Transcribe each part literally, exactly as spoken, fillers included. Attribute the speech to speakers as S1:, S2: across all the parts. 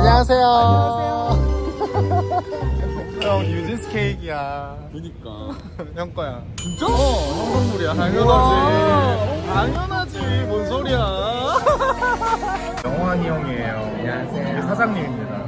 S1: 안녕하세요. 형 유진스 케이크야.
S2: 그니까.
S1: 형 거야.
S2: 진짜?
S1: 어, 형 선물이야. 당연하지. 당연하지. 뭔 소리야. 영환이 형이에요. 안녕하세요. 이게 사장님입니다.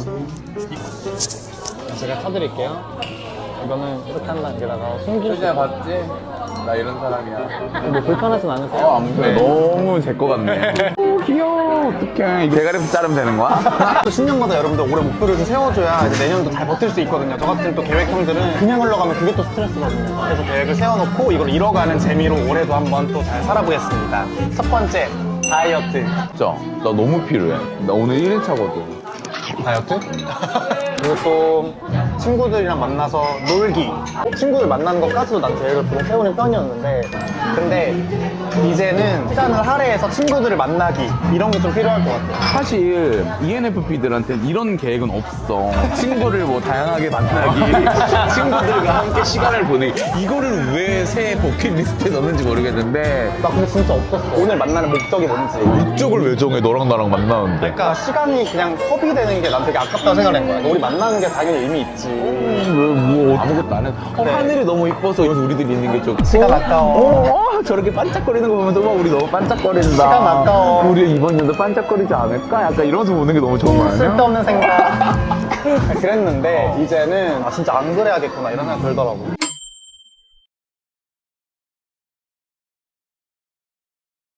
S1: 제가 타드릴게요. 이거는 이렇게 한다. 여기다가 숨길 수
S2: 봤지? 나 이런 사람이야.
S1: 뭐 불편하진 않으세요?
S2: 어, 안 그래. 너무 제 거 같네. 오, 귀여워. 어떡해. 이거 대가리부터 자르면 되는 거야?
S3: 또 신년마다 여러분들 올해 목표를 좀 세워줘야 이제 내년도 잘 버틸 수 있거든요. 저 같은 또 계획형들은 그냥 흘러가면 그게 또 스트레스거든요. 그래서 계획을 세워놓고 이걸 이뤄가는 재미로 올해도 한번 또 잘 살아보겠습니다. 첫 번째, 다이어트.
S2: 진짜. 나 너무 필요해. 나 오늘 일 일차거든.
S3: 다이어트? 그리고 또 친구들이랑 만나서 놀기. 친구들 만나는 것까지도 난 계획을 보통 세우는 편이었는데 근데 이제는 시간을 할애해서 친구들을 만나기 이런 게 좀 필요할 것 같아요.
S2: 사실 이엔에프피들한테는 이런 계획은 없어. 친구를 뭐 다양하게 만나기, 친구들과 함께 시간을 보내기. 이거를 왜 새 버킷리스트에 넣는지 모르겠는데
S3: 나 근데 진짜 없었어. 오늘 만나는 목적이 뭔지.
S2: 목적을 왜 정해? 너랑 나랑 만나는데.
S3: 그러니까 시간이 그냥 소비되는 게 난 되게 아깝다고 생각한 거야. 우리 만나는 게 당연히 의미 있지.
S2: 왜뭐 아무것도 안 해? 어,
S3: 네.
S2: 하늘이 너무 이뻐서 여기서 우리들이 있는 게 좀.
S3: 시간 아까워.
S2: 어, 저렇게 반짝거리는 거 보면서 막 우리 너무 반짝거린다.
S3: 시간 아까워.
S2: 우리 이번 연도 반짝거리지 않을까? 약간 이러면서 보는 게 너무 좋은 거 아니야?
S3: 쓸데없는 생각. 그랬는데 이제는 아 진짜 안 그래야겠구나 이런 생각 들더라고.